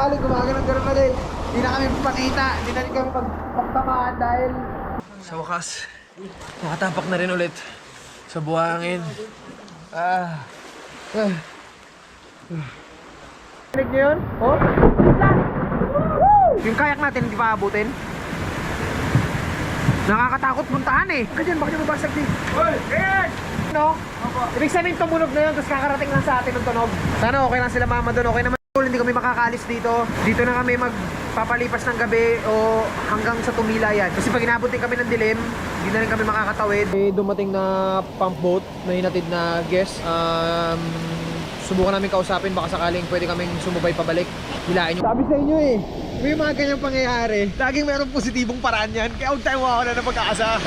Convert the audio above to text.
sakali gumagano'n ulit. Hindi na kami pakita, hindi na rin kami pagtamaan dahil sa wakas, nakatapak na rin ulit sa buhangin. Rinig nyo yun? Oh? Yung kayak natin hindi pa abutin. Nakakatakot puntahan eh. Ganyan, bakit yung mabasag din? Hoy! Ganyan! No? Ibig sabihin tumunog na yun, tapos kakarating lang sa atin ng tunog. Sana okay lang sila mama doon, okay naman. Hindi kami makakalis dito. Dito na kami magpapalipas ng gabi o hanggang sa tumila yan. Kasi pag inabot din kami ng dilim, hindi na rin kami makakatawid. May dumating na pump boat na hinatid na guest. Subukan namin kausapin, baka sakaling pwede kaming sumubay pabalik. Hilain nyo. Sabi sa inyo eh, may mga ganyang pangyayari. Laging mayroong positibong paraan yan. Kaya huwag tayo mawawala ng pag-aasa.